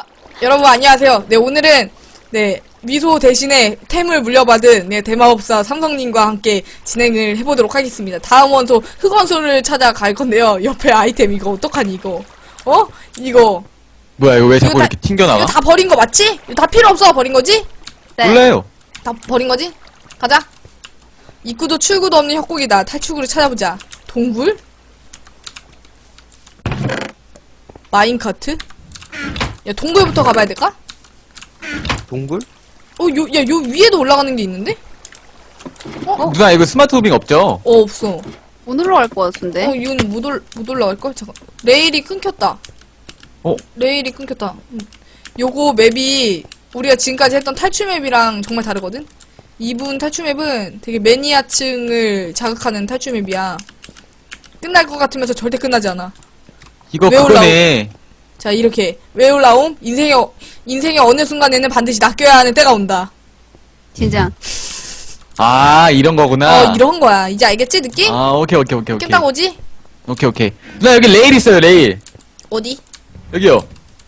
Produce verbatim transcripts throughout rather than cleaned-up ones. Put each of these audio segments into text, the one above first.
여러분 안녕하세요. 네 오늘은 네 미소 대신에 템을 물려받은 네 대마법사 삼성님과 함께 진행을 해보도록 하겠습니다. 다음 원소 흑원소를 찾아갈 건데요. 옆에 아이템 이거 어떡하니 이거? 어? 이거 뭐야 이거 왜 자꾸 이거 다- 이렇게 튕겨나가? 이거 다 버린 거 맞지? 이거 다 필요 없어 버린 거지? 네. 몰라요. 다 버린 거지? 가자. 입구도 출구도 없는 협곡이다. 탈출구를 찾아보자. 동굴? 마인카트? 야 동굴부터 가봐야 될까? 동굴? 어, 요, 야, 요 위에도 올라가는 게 있는데? 누나 이거 스마트 무빙 없죠? 어, 없어. 못 올라갈 것 같은데. 어, 이건 못, 올, 못 올라갈걸? 잠깐. 레일이 끊겼다. 어? 레일이 끊겼다. 음. 요거 맵이 우리가 지금까지 했던 탈출 맵이랑 정말 다르거든? 이분 탈출 맵은 되게 매니아층을 자극하는 탈출 맵이야. 끝날 것 같으면서 절대 끝나지 않아. 이거 왜 그거네. 자, 이렇게. 왜 올라옴? 인생의, 어- 인생의 어느 순간에는 반드시 낚여야 하는 때가 온다. 진짜. 아 이런 거구나. 어, 이런 거야. 이제 알겠지, 느낌? 아 오케이 오케이 오케이 오케이. 깼다고 오지? 오케이 오케이. 누나 여기 레일 있어요 레일. 어디? 여기요.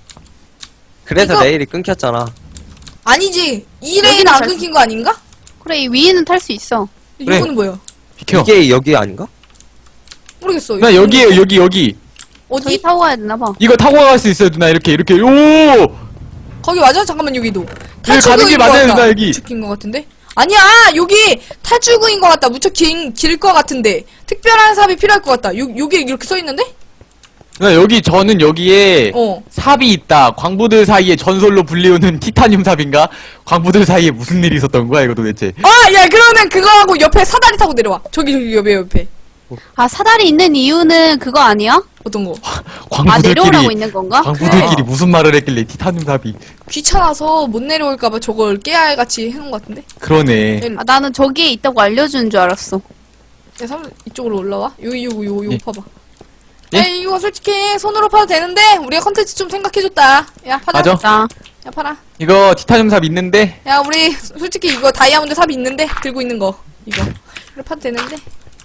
그래서 이거- 레일이 끊겼잖아. 아니지. 이 레일 여기는 안 잘- 끊긴 거 아닌가? 그래, 이 위에는 탈 수 있어. 그래. 이거는 뭐야? 비켜. 이게 여기 아닌가? 모르겠어. 누나 이거 여기에요 여기 여기. 어디? 저기 타고 가야 되나봐. 이거 타고 갈 수 있어요 누나 이렇게 이렇게. 오. 거기 맞아? 잠깐만 여기도. 가는 길 탈출구인 것 맞아요, 같다. 누나, 여기. 무척 긴것 같은데? 아니야 여기 탈출구인 것 같다. 무척 긴길것 같은데 특별한 삽이 필요할 것 같다. 요 요게 이렇게 써 있는데? 누나 여기 저는 여기에 어. 삽이 있다. 광부들 사이에 전설로 불리우는 티타늄 삽인가? 광부들 사이에 무슨 일이 있었던 거야 이거 도대체? 아, 야 그러면 그거하고 옆에 사다리 타고 내려와. 저기 저기 옆에 옆에. 아, 사다리 있는 이유는 그거 아니야? 어떤 거? 아, 내려오라고 광부들끼리 있는 건가? 광부들끼리 무슨 말을 했길래 티타늄 삽이? 귀찮아서 못 내려올까봐 저걸 깨알 같이 해놓은 것 같은데? 그러네. 일로. 아, 나는 저기에 있다고 알려주는 줄 알았어. 야, 삼 이쪽으로 올라와. 요기 요거 요거 요거 예. 파봐. 예? 야, 이거 솔직히 손으로 파도 되는데 우리가 컨텐츠 좀 생각해줬다. 야, 파자. 맞아. 자, 야, 팔아. 이거 티타늄 삽 있는데 야, 우리 솔직히 이거 다이아몬드 삽이 있는데 들고 있는 거 이거. 그래 파도 되는데.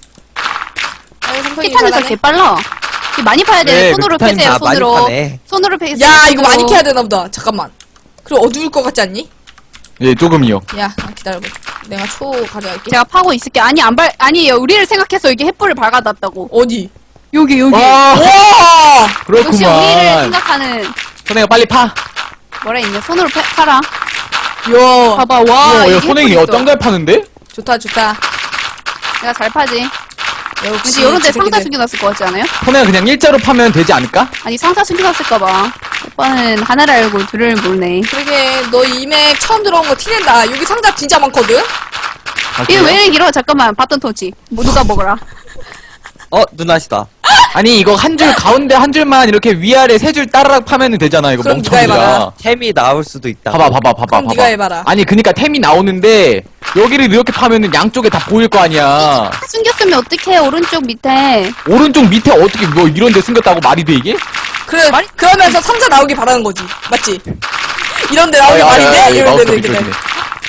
아유, 삼성이 티타늄 잘하네. 개 빨라. 이게 많이 파야 돼. 네, 손으로 티타늄 패세요, 아, 많이 손으로. 파네. 손으로 패세요. 야, 이거 손으로. 많이 캐야 되나 보다. 잠깐만. 그리고 어두울 것 같지 않니? 예 조금이요. 야, 기다려봐. 내가 초 가져갈게. 제가 파고 있을게. 아니, 안 발, 아니, 우리를 생각해서 여기 횃불을 밝아놨다고. 어디? 여기, 여기. 와 와! 역시 우리를 그렇구만. 생각하는, 선행아 빨리 파. 뭐라 했냐. 손으로 패, 팔아. 야, 봐봐, 와. 우와, 이게 야, 선행이 횃불 있어. 어떤 걸 파는데? 좋다, 좋다. 내가 잘 파지. 역시 왠지 이런 데 상자 지새끼들. 숨겨놨을 것 같지 않아요? 선행아 그냥 일자로 파면 되지 않을까? 아니 상자 숨겨놨을까봐. 오빠는 하나를 알고 둘을 모르네. 그러게, 너 이맥 처음 들어온 거 티낸다. 여기 상자 진짜 많거든? 아, 이게 그래요? 왜 이렇게 길어? 잠깐만 바톤 터치. 뭐 누가 먹어라. 어, 누나시다. 아니 이거 한 줄 가운데 한 줄만 이렇게 위아래 세 줄 따라락 파면 되잖아 이거 그럼 네가 해봐라. 멍청이가. 템이 나올 수도 있다. 봐봐 봐봐 봐봐 그럼 봐봐. 네가 해봐라. 아니 그니까 템이 나오는데 여기를 이렇게 파면은 양쪽에 다 보일 거 아니야. 다 숨겼으면 어떡해? 오른쪽 밑에. 오른쪽 밑에 어떻게 뭐 이런 데 숨겼다고 말이 돼 이게? 그래, 그러면서 상자 나오길 바라는 거지. 맞지? 이런 데 나오길 아, 아, 아, 말이 아, 돼? 이 이런 마우스 데 비켜주네. 이렇게.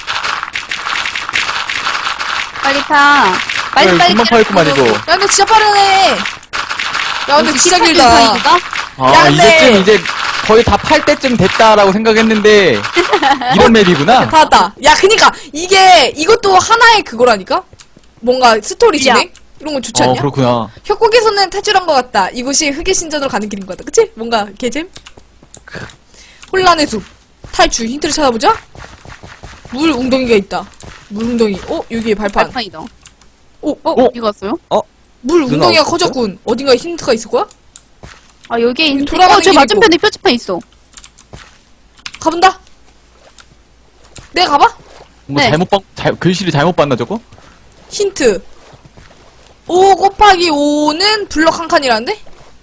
빨리 파. 빨리 야, 빨리. 금방 파였구만 이거. 야, 너 진짜 빠르네. 야, 근데 진짜 길다. 아 야, 근데- 이제쯤 이제 거의 다 팔 때쯤 됐다라고 생각했는데 이런 맵이구나. 다 왔다. 야, 그니까, 이게, 이것도 하나의 그거라니까? 뭔가 스토리 야. 진행? 이런 거 좋지 어 않냐? 그렇구나. 협곡에서는 탈출한 것 같다. 이곳이 흑의 신전으로 가는 길인 것 같다. 그치? 뭔가, 개잼? 혼란의 숲. 탈출. 힌트를 찾아보자. 물 웅덩이가 있다. 물 웅덩이. 어? 여기에 발판. 발판이다. 오, 어? 어? 이거 왔어요? 물 누나 웅덩이가 없었어? 커졌군. 어딘가에 힌트가 있을 거야? 아 여기에 있는. 돌아가는 어, 저 길이고. 맞은편에 표지판 있어. 가본다. 내가 가봐? 뭐 네. 잘못 봤 잘, 글씨를 잘못 봤나 저거? 힌트. 오 곱하기 오는 블럭 한 칸이라는데?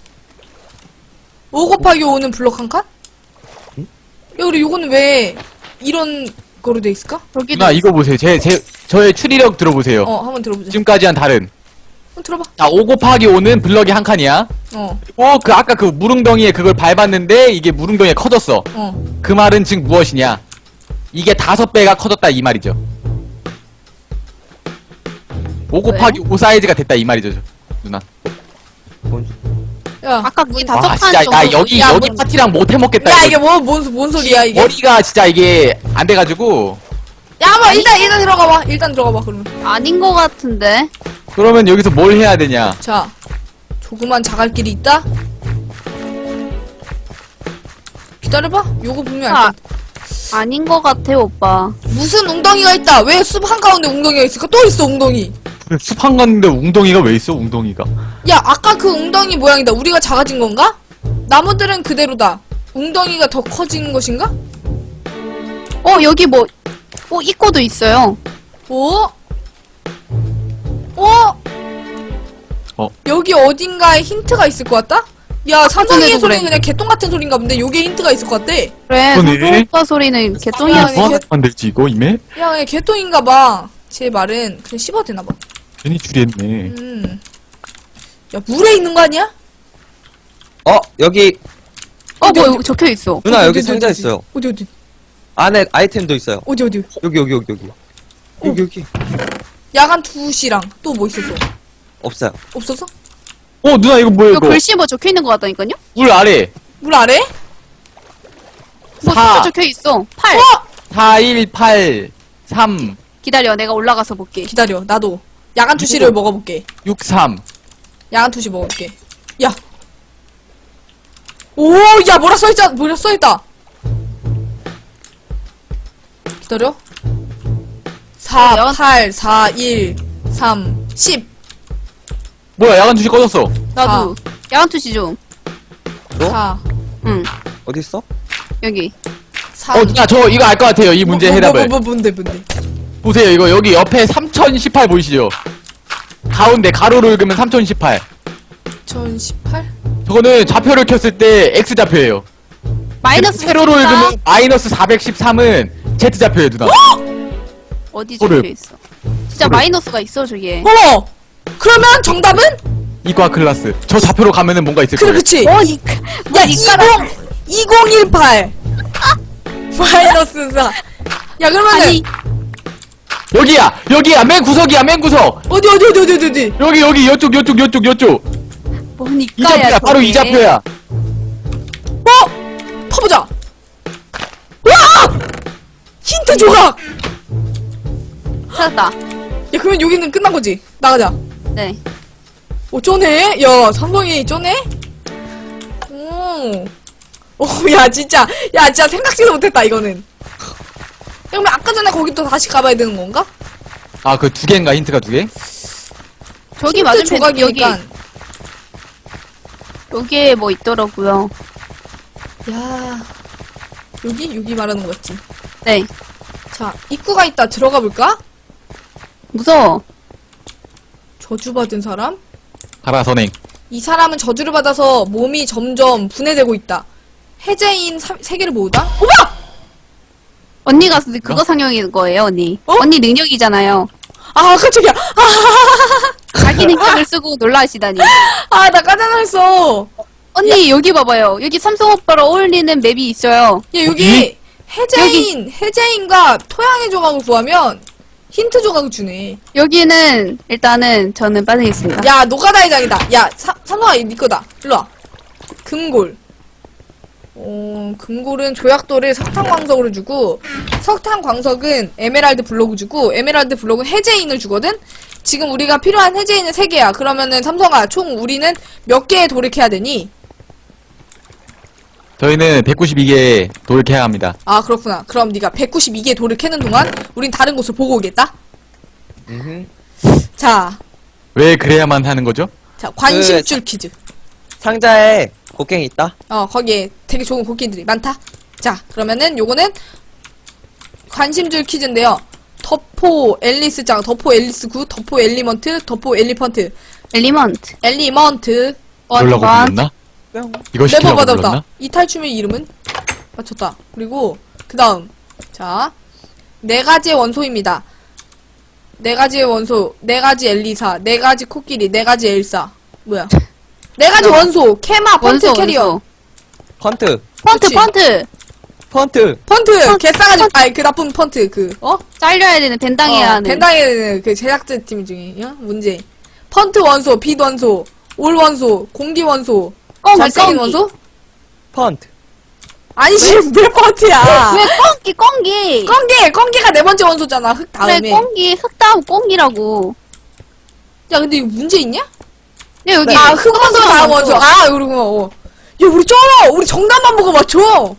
오 곱하기 오는 블럭 한 칸? 응? 야, 그래, 요거는 왜 이런 거로 돼 있을까? 여기도. 누나 이거 보세요. 제 제 저의 추리력 들어보세요. 어, 한번 들어보자. 지금까지 한 다른. 한번 들어봐. 자, 오 곱하기 오는 블럭이 한 칸이야. 어, 그리고 그 아까 그 무릉덩이에 그걸 밟았는데 이게 무릉덩이가 커졌어. 어. 그 말은 즉 무엇이냐? 이게 다섯 배가 커졌다 이 말이죠. 오 곱하기 오 사이즈가 됐다 이 말이죠, 저- 누나. 뭔- 야, 아까 거기 다 아 척한 진짜 정도. 나 여기 야, 여기 뭐- 파티랑 못 해먹겠다. 야 이거. 이게 뭐, 뭔, 뭔 소리야 이게? 머리가 진짜 이게 안 돼가지고. 야, 한번 일단 일단 들어가봐. 일단 들어가봐 그러면. 아닌 것 같은데. 그러면 여기서 뭘 해야 되냐? 자, 조그만 자갈길이 있다. 기다려봐. 요거 분명 아, 알 거. 아닌 것 같아, 오빠. 무슨 웅덩이가 있다. 왜 숲 한가운데 웅덩이가 있을까? 또 있어 웅덩이. 숲한 건데 웅덩이가 왜 있어? 웅덩이가. 야, 아까 그 웅덩이 모양이다. 우리가 작아진 건가? 나무들은 그대로다. 웅덩이가 더 커진 것인가? 어, 여기 뭐, 어, 입구도 있어요. 어? 어? 어. 여기 어딘가에 힌트가 있을 것 같다? 야, 삼성이의 전에도 소리는 그래. 그냥 개똥 같은 소린가 본데 여기에 힌트가 있을 것 같대. 그래, 그러네. 상도 오빠 소리는 아, 개똥이었어. 아니, 뭐 개- 만들지 이거 이메? 야, 그냥 개똥인가 봐. 제 말은 그냥 씹어도 되나 봐. 괜히 줄이했네. 음. 야, 물에 있는 거 아니야? 어, 여기, 어, 뭐, 여기 적혀 있어. 누나 어디, 여기 어디, 상자 어디, 있어요. 어디, 어디? 안에 아이템도 있어요. 어디, 어디? 여기, 여기, 여기, 여기. 여기, 여기. 야간 두 시랑 또 뭐 있었어? 없어요. 없었어? 어 누나 이거 뭐야 이거 이거? 글씨 뭐 적혀 있는 것 같다니까요? 물 아래. 물 아래? 뭐 사. 숫자 적혀 있어. 팔. 어? 사, 일, 팔, 삼, 기다려, 내가 올라가서 볼게. 기다려, 나도. 야간 투시를 먹어볼게. 육, 삼. 야간 투시 먹어볼게. 야. 오, 야, 뭐라 써있자, 뭐라 써있다. 기다려. 사, 야간- 팔, 사, 일, 삼, 십. 뭐야 야간 투시 꺼졌어. 나도. 야간 투시 좀. 어? 사, 응, 어딨어? 여기. 사. 어 누나 저 이거 알 것 같아요. 이 문제 뭐, 해답을. 뭐, 뭐, 뭐, 뭔데, 뭔데. 보세요 이거 여기 옆에 삼천십팔 보이시죠? 가운데 가로로 읽으면 삼천십팔. 이천십팔? 저거는 좌표를 켰을 때 X 좌표예요. 마이너스 세로로 십사. 읽으면 마이너스 사백십삼은 Z 좌표예요 누나. 어디 소를. 적혀 있어? 진짜 소를. 마이너스가 있어, 저기에. 어머! 그러면 정답은? 이과 클라스. 저 좌표로 가면은 뭔가 있을 그래, 거예요. 그치. 어, 니, 야, 니까라. 이십, 이천십팔. 마이너스 사. 야, 그러면은. 아니, 여기야 여기야 맨 구석이야 맨 구석. 어디, 어디, 어디, 어디, 어디, 어디. 여기 여기 요쪽 요쪽 요쪽 요쪽. 뭐니까야. 이 좌표야 바로 이 좌표야. 어? 퍼보자. 와! 힌트 조각! 찾았다. 야, 그러면 여기는 끝난 거지? 나가자. 네. 오, 쪼네? 야, 삼성이 쪼네? 오. 오, 야, 진짜. 야, 진짜 생각지도 못했다, 이거는. 야, 그러면 아까 전에 거기 또 다시 가봐야 되는 건가? 아 그 두 개인가 힌트가 두 개? 저기 힌트 맞은편, 여기, 조각이니까. 여기에 뭐 있더라고요. 야. 여기? 여기 말하는 거 같지? 네. 자, 입구가 있다. 들어가 볼까? 무서워. 저주받은 사람? 가라 선행. 이 사람은 저주를 받아서 몸이 점점 분해되고 있다. 해제인 사- 세계를 모으다? 오빠! 언니가 쓰- 그거 상영인 거예요, 언니. 어? 언니 능력이잖아요. 아, 깜짝이야. 아, 자기 능력을 쓰고 놀라시다니. 아, 나 깜짝 놀랐어. 언니, 여기 봐봐요. 여기 삼성 오빠랑 어울리는 맵이 있어요. 야, 여기 해제인, 해제인과 토양의 조각을 구하면 힌트 조각을 주네. 여기는, 일단은, 저는 빠지겠습니다. 야, 노가다의 장이다. 야, 사, 삼성아, 이네 거다. 일로와. 금골. 어, 금골은 조약돌을 석탄광석으로 주고, 석탄광석은 에메랄드 블록을 주고, 에메랄드 블록은 해제인을 주거든? 지금 우리가 필요한 해제인은 세 개야. 그러면은 삼성아, 총 우리는 몇 개의 돌을 캐야 되니? 저희는 백구십이 개 돌을 캐야 합니다. 아, 그렇구나. 그럼 네가 백구십이 개의 돌을 캐는 동안 우린 다른 곳을 보고 오겠다? 음흠. 자, 왜 그래야만 하는 거죠? 자, 관심줄 퀴즈. 상자에 곡괭이 있다? 어, 거기에 되게 좋은 곡기들이 많다. 자, 그러면은 요거는 관심줄 퀴즈인데요. 더포 앨리스장, 더포 앨리스 구, 더포 엘리먼트, 더포 엘리펀트, 엘리먼트. 엘리먼트. 그러려고 원. 불렀나? 뿅. 이거 네버 시키려고 받았다. 불렀나? 이 탈춤의 이름은? 맞췄다. 그리고 그 다음. 자, 네 가지의 원소입니다. 네 가지의 원소, 네 가지 엘리사, 네 가지 코끼리, 네 가지 엘사. 뭐야? 네 가지 원소, 캐마, 펀트, 원소, 캐리어. 원소. 펀트. 펀트, 그치. 펀트. 펀트. 펀트, 펀- 개싸가지, 아니, 그 나쁜 펀트, 그, 어? 잘려야 되는, 벤당해야 어, 하는. 벤당의 그 제작자팀 중에, 어? 문제. 펀트 원소, 빛 원소, 올 원소, 공기 원소, 꽁기, 잘생긴 꽁기. 원소? 펀트. 아니지, 몇 번째야? 왜 꽁기, 꽁기. 꽁기! 꽁기가 네 번째 원소잖아, 흙 다음에. 그래, 꽁기, 흙 다음 꽁기라고. 야, 근데 이거 문제 있냐? 야, 여기. 아, 흙 원소 다음 원소. 아, 이러구나, 어. 야, 우리 쩔어! 우리 정답만 보고 맞춰!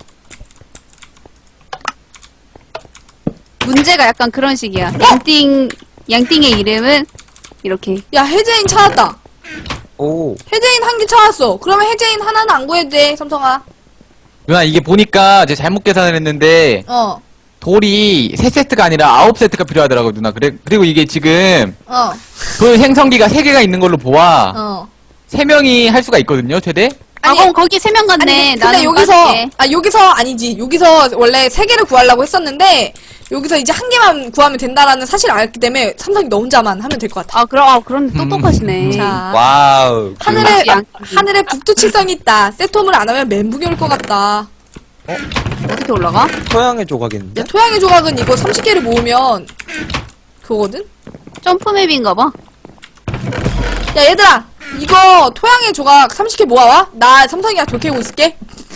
문제가 약간 그런 식이야. 양띵, 양띵의 이름은 이렇게. 야, 해제인 찾았다. 오. 해제인 한 개 찾았어. 그러면 해제인 하나는 안 구해도 돼, 삼성아. 누나 이게 보니까 제가 잘못 계산을 했는데 어, 돌이 세 세트가 아니라 아홉 세트가 필요하더라고 누나. 그래 그리고 이게 지금 어, 돌 생성기가 세 개가 있는 걸로 보아 어. 세 명이 할 수가 있거든요 최대. 아, 아니, 그럼 거기 세 명 갔네. 아니, 근데 나는 여기서, 빠질게. 아, 여기서 아니지. 여기서 원래 세 개를 구하려고 했었는데, 여기서 이제 한 개만 구하면 된다라는 사실을 알기 때문에 삼성이 너 혼자만 하면 될 것 같아. 아, 그럼, 아, 그럼 똑똑하시네. 자. 와우. 그- 하늘에, 양- 하늘에 북두칠성이 있다. 세톰을 안 하면 멘붕이 올 것 같다. 어떻게 올라가? 토양의 조각인데? 야, 토양의 조각은 이거 삼십 개를 모으면, 그거거든? 점프맵인가 봐. 야, 얘들아! 이거 토양의 조각 삼십 개 모아와? 나 삼성이랑 돌캐고 있을게.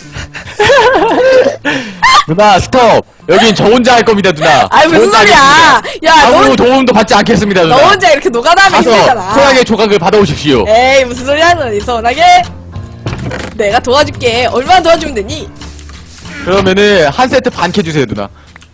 누나 스톱. 여긴 저 혼자 할 겁니다 누나. 아이, 저 무슨 혼자 소리야! 하겠습니다. 야, 아무 너, 도움도 받지 않겠습니다 누나. 너 혼자 이렇게 노가다하면 가서 힘들잖아. 토양의 조각을 받아오십시오. 에이, 무슨 소리 하는 거니, 서운하게? 내가 도와줄게. 얼마나 도와주면 되니? 그러면은 한 세트 반 캐주세요 누나.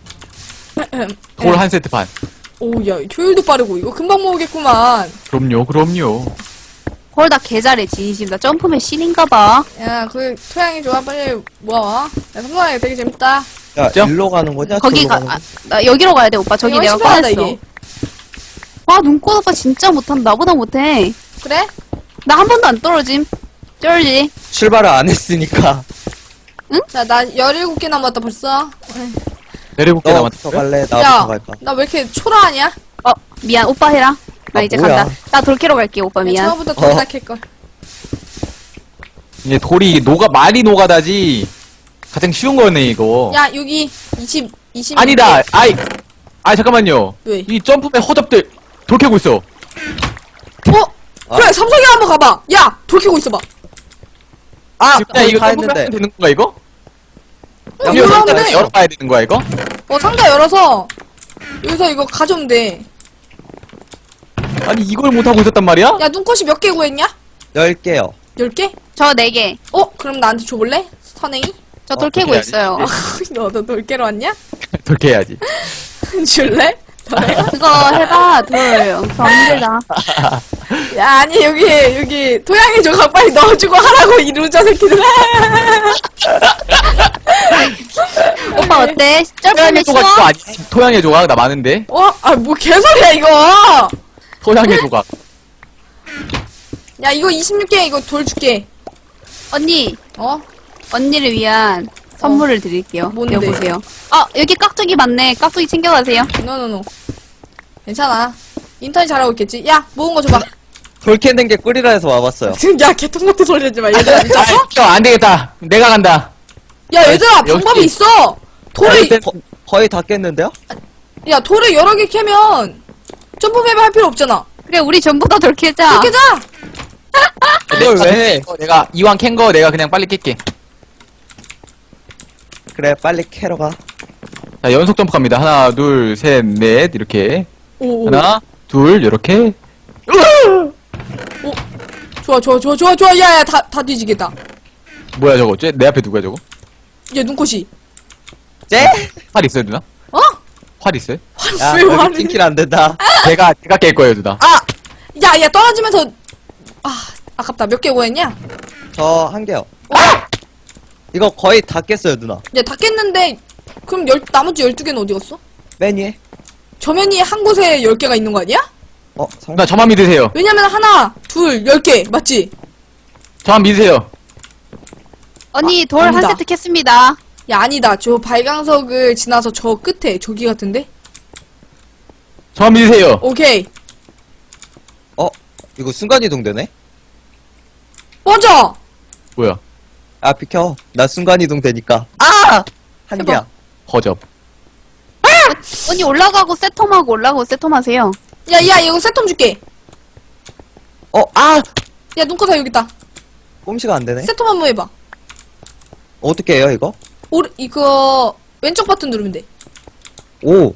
돌 한 세트 반. 오, 야, 효율도 빠르고, 이거 금방 모으겠구만. 그럼요 그럼요. 헐, 나 개잘해, 진심. 나 점프맵 신인가 봐. 야, 그, 토양이 좋아. 빨리 모아와. 야, 삼성아, 이거 되게 재밌다. 야, 진짜? 일로 가는 거냐? 거기 저기로 가, 가는 아, 거냐? 나 여기로 가야 돼, 오빠. 저기 이거 내가 신기하다, 꺼냈어. 이게. 와, 눈꽃 오빠 진짜 못한다. 나보다 못해. 그래? 나 한 번도 안 떨어짐. 쩔지? 출발을 안 했으니까. 자, 나 열일곱 개 남았다, 벌써. 내려볼게 너부터 남았어요. 갈래? 나부터 야, 갈까? 나 왜 이렇게 초라하냐? 어, 미안. 오빠 해라. 나 아, 이제 뭐야. 간다. 나 돌캐로 갈게, 오빠 미안. 처음부터 어. 돌다 캘걸. 이게 돌이 녹아 많이 녹아다지 가장 쉬운 거네 이거. 야, 여기, 이십, 이십. 아니다. 아이, 아 잠깐만요. 왜? 이 점프맨 허접들 돌 캐고 있어. 어? 그래, 삼성이 한번 가봐. 야, 돌 캐고 있어봐. 아! 그냥 거의 이거 다 점프맨 했는데. 하면 되는 건가 이거? 어, 여기 이거 일단 하면 돼. 열어봐야 되는 거야 이거? 어, 상자 열어서, 여기서 이거 가져오면 돼. 아니 이걸 못 하고 있었단 말이야? 야, 눈꽃이 몇 개 구했냐? 열 개요. 열 개? 저 네 개. 어? 그럼 나한테 줘볼래? 선행이? 저 어, 돌 캐고 그래야지. 있어요. 너도 돌캐로 왔냐? 돌 캐야지. 줄래? 그거 해봐, 돌. 엄청 힘들다. 야, 아니, 여기, 여기, 토양의 조각 빨리 넣어주고 하라고, 이 루저 새끼들. 오빠 어때? 토양의 점프맵 조각 쉬워? 그거 아니? 토양의 조각 나 많은데. 어? 아, 뭐 개소리야, 이거! 토양의 조각. 야, 이거 이십육 개, 이거 돌 줄게. 언니, 어? 언니를 위한 선물을 드릴게요. 뭔데? 여보세요. 아, 여기 깍두기 많네. 깍두기 챙겨가세요. 노노노. 괜찮아. 인턴이 잘하고 있겠지? 야, 모은 거 줘봐. 돌 캐는 게 꿀이라 해서 와봤어요. 야, 개통 같은 소리 하지 마. 얘들아, 미쳤어? 아, 안 되겠다. 내가 간다. 야, 얘들아, 역시. 방법이 있어! 돌을, 일단- 거, 거의 다 깼는데요? 야, 돌을 여러 개 캐면, 점프맵 할 필요 없잖아. 그래, 우리 전부 다 돌 캐자. 그렇게 자! 그걸 왜 해? 어, 내가 이왕 캔 거 내가 그냥 빨리 깰게. 그래, 빨리 캐러 가. 자 연속 점프 갑니다. 하나, 둘, 셋, 넷 이렇게. 오, 오. 하나, 둘 이렇게. 좋아, 좋아, 좋아, 좋아, 좋아. 야, 야, 다, 다 뒤지겠다. 뭐야 저거? 쟤, 내 앞에 누구야 저거? 야, 눈꽃이. 쟤? 활 있어요 누나? 어? 활 있어요? 야, 왜 여기 화를. 팅킬 안 된다. 제가 제가 깰 거예요 누나. 아! 야, 야, 떨어지면서. 아, 아깝다. 몇 개 구했냐? 저 한 개요. 어? 이거 거의 다 깼어요, 누나. 야, 다 깼는데, 그럼 열, 나머지 열두 개는 어디 갔어? 맨 위에. 저면이 한 곳에 열 개가 있는 거 아니야? 어, 상... 누나 저만 믿으세요. 왜냐면 하나, 둘, 열 개. 맞지? 저만 믿으세요. 언니, 아, 돌 한 아니다. 세트 캤습니다. 야, 아니다. 저 발광석을 지나서 저 끝에, 저기 같은데? 저만 믿으세요. 오케이. 어? 이거 순간이동 되네? 맞아! 뭐야? 아, 비켜. 나 순간이동 되니까. 아! 한 해봐. 개야. 허접. 언니 올라가고 세톰하고 올라가고 세톰하세요. 야, 야, 이거 세톰 줄게. 어, 아! 야, 눈꺼사 여기 있다. 꼼시가 안 되네. 세톰 한번 해봐. 어떻게 해요, 이거? 오르, 이거, 왼쪽 버튼 누르면 돼. 오.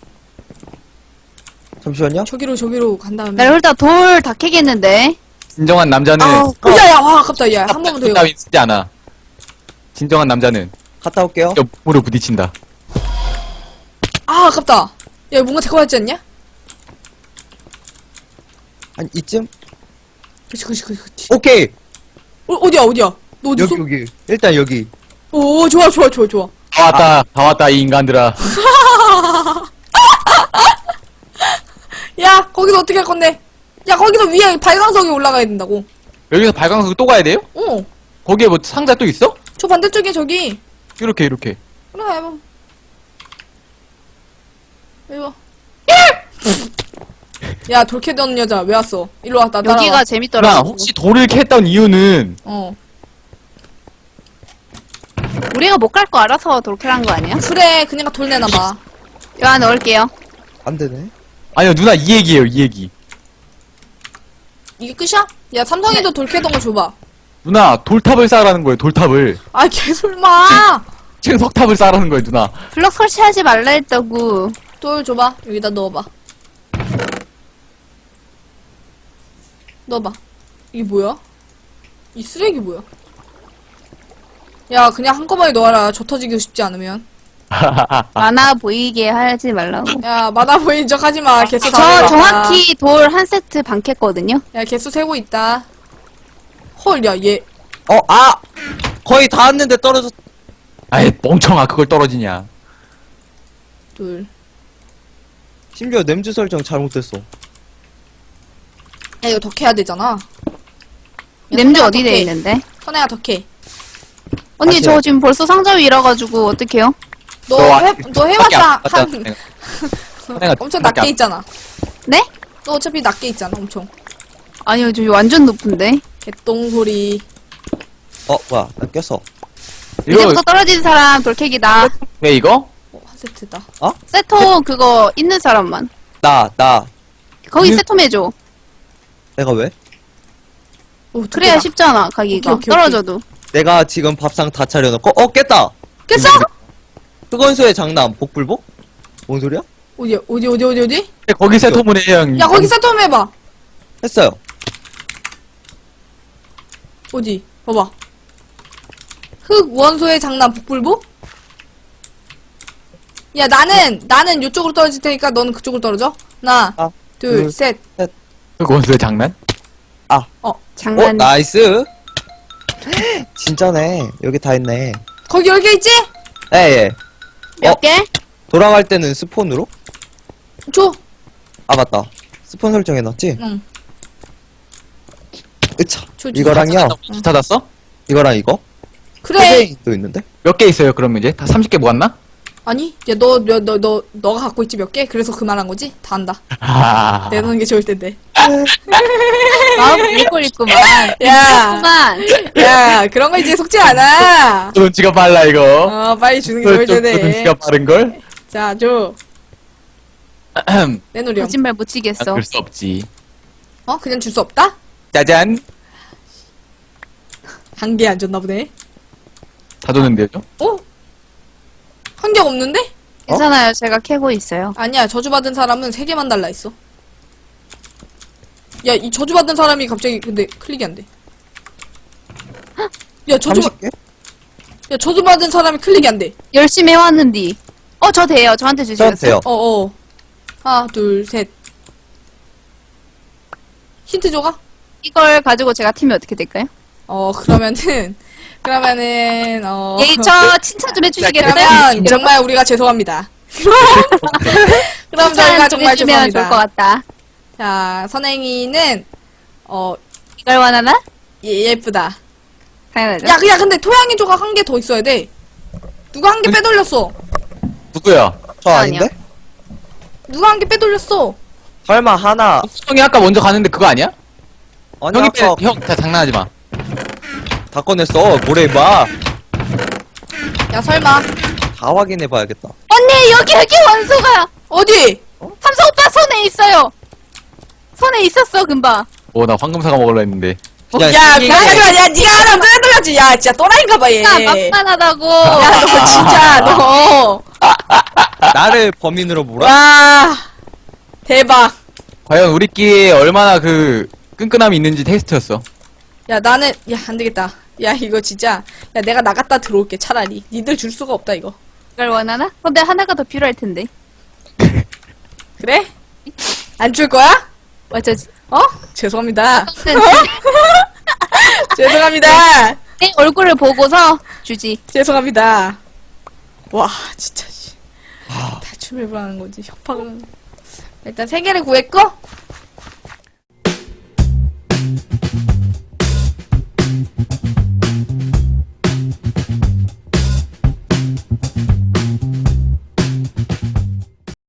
잠시만요. 저기로, 저기로 간 다음에. 나 일단 돌 다 캐겠는데. 진정한 남자는 아, 어, 야, 야, 와, 아깝다. 야, 한 번만 더 해봐. 따윈 쓰지 않아. 진정한 남자는 갔다 올게요. 옆으로 부딪힌다. 아, 아깝다. 야, 뭔가 될것 같지 않냐? 한 이쯤? 그치, 그치, 그치, 그치. 오케이. 어, 어디야, 어디야? 너 어디 있어? 여기, 여기. 일단 여기. 오, 좋아, 좋아, 좋아, 좋아. 다 왔다, 다 왔다, 이 인간들아. 야, 거기서 어떻게 할 건데? 야, 거기서 위에 발광석이 올라가야 된다고. 여기서 발광석 또 가야 돼요? 어, 거기에 뭐 상자 또 있어? 저 반대쪽에 저기. 이렇게, 이렇게. 그래, 해봐. 이거. 야, 돌캐던 여자, 왜 왔어? 일로 와, 나 따라와. 여기가 누나, 재밌더라고. 혹시 돌을 캤던 이유는 어. 우리가 못 갈 거 알아서 돌 캐란 거 아니야? 그래, 그니까 돌 내놔봐. 이거 하나 넣을게요. 안 되네. 아니요, 누나 이 얘기예요, 이 얘기. 이게 끝이야? 야, 삼성이도 돌 캐던 거 줘봐. 누나, 돌탑을 쌓으라는 거예요, 돌탑을. 아, 개설마! 지금 석탑을 쌓으라는 거예요, 누나. 블럭 설치하지 말라 했다고. 돌 줘봐. 여기다 넣어봐. 넣어봐. 이게 뭐야? 이 쓰레기 뭐야? 야, 그냥 한꺼번에 넣어라. 저 터지기 쉽지 않으면. 많아 보이게 하지 말라고. 야, 많아 보이는 척 하지 마. 개수 다 저 세고 정확히 돌 한 세트 반 캤거든요. 있다. 야, 개수 세고 있다. 헐, 야, 얘. 어, 아! 거의 다 왔는데 떨어졌, 아이, 멍청아, 그걸 떨어지냐. 둘. 심지어 냄새 설정 잘못됐어. 야, 이거 더 캐야 되잖아. 야, 냄새 선혜야, 어디 더 돼 캐. 있는데? 선혜야, 더 캐. 언니 다시 저 해요. 지금 벌써 상자 위 잃어가지고 어떡해요? 너, 너 해, 너 해봤자 밖에 안 한, 갔다 선혜가 엄청 밖에 낮게 안- 있잖아. 네? 너 어차피 낮게 있잖아, 엄청. 아니요 저 완전 높은데. 개똥 소리. 어, 뭐야. 나 꼈어. 이거, 이제부터 떨어지는 사람 돌 캐기다. 왜 이거? 어, 한 세트다. 세토 그거 있는 사람만. 나, 나. 거기 음. 세톰 해줘. 내가 왜? 오, 그래야 쉽잖아 가기가. 오케이, 오케이, 떨어져도. 내가 지금 밥상 다 차려놓고, 어, 깼다! 깼어? 흑원소의 장남, 복불복? 뭔 소리야? 어디, 어디, 어디, 어디, 어디? 거기 세토문에 형. 야, 거기 세톰 해봐. 했어요. 어디? 봐봐. 흑 원소의 장난 북불복? 야, 나는, 나는 요쪽으로 떨어질 테니까 너는 그쪽으로 떨어져. 하나, 아, 둘, 둘, 셋. 그 원수의 장난? 어, 장난. 나이스! 진짜네. 여기 다 있네. 거기 열 개 있지? 예, 예. 몇 어? 개? 돌아갈 때는 스폰으로? 줘. 아, 맞다. 스폰 설정해놨지? 응. 으차. 줘, 줘. 이거랑요. 찾았어? 이거랑 이거? 그래. 도 있는데? 몇 개 있어요, 그럼 이제? 다 삼십 개 모았나? 아니, 야, 너, 너, 너, 너, 너가 갖고 있지 몇 개? 그래서 그 말한 거지? 다 안다. 아. 내놓는 게 좋을 텐데. 마음 읽고 있구만. 야, 그만. 야, 그런 거 이제 속지 않아. 눈치가 빨라, 이거. 어, 빨리 주는 게 좋을 좀 텐데. 눈치가 빠른걸? 자, 줘. 내놓으렴. 거짓말 못 치겠어. 그럴 수 없지. 어? 그냥 줄 수 없다? 짜잔. 한 개 안 줬나 보네. 다 줬는데요? 어? 한 개가 없는데? 괜찮아요. 제가 캐고 있어요. 아니야, 저주받은 사람은 세 개만 달라 있어. 야, 이 저주받은 사람이 갑자기 근데 클릭이 안 돼. 야, 저주, 삼십 개? 야, 저주받은 사람이 클릭이 안 돼. 열심히 해왔는디. 어, 저 돼요. 저한테 저한테 주시겠어요? 돼요. 어, 어. 하나, 둘, 셋. 힌트 줘가? 이걸 가지고 제가 팀이 어떻게 될까요? 어, 그러면은, 그러면은, 어. 예, 저 칭찬 좀 해주시겠어요? 그러면 정말 우리가 죄송합니다. 그럼 저희가 정말 칭찬 좀 해주시면 좋을 것 죄송합니다. 같다. 자, 선행이는, 어, 이걸 원하나? 예, 예쁘다. 당연하죠. 야, 그냥 근데 토양이 조각 한 개 더 있어야 돼. 누가 한 개 빼돌렸어? 누구야? 저 아니요. 아닌데? 누가 한 개 빼돌렸어? 설마 하나. 형이 아까 먼저 가는데 그거 아니야? 아니, 형이 아까 빼, 형, 자, 장난하지 마. 다 꺼냈어. 뭐래, 봐. 야, 설마. 다 확인해봐야겠다. 언니, 여기, 여기 원소가! 어디? 삼성 오빠 손에 있어요! 손에 있었어, 금방. 오, 나 황금사과 먹으려 했는데. 야, 야, 이게- 잠깐만, 야, 니가 하나 떠들었지. 야, 진짜 또라이인가봐, 얘. 야, 막판하다고. 야, 너 진짜, 너. 나를 범인으로 몰아? 와, 대박. 과연 우리끼리 얼마나 그 끈끈함이 있는지 테스트였어. 야, 나는, 야, 안 되겠다. 야, 이거 진짜. 야, 내가 나갔다 들어올게, 차라리. 니들 줄 수가 없다, 이거. 이걸 원하나? 근데 하나가 더 필요할 텐데. 그래? 안 줄 거야? 어쩌지? 어? 죄송합니다. 죄송합니다. 내 얼굴을 보고서 주지. 죄송합니다. 와, 진짜, 씨. 다 춤을 불하는 거지, 협박을. 일단 세 개를 구했고,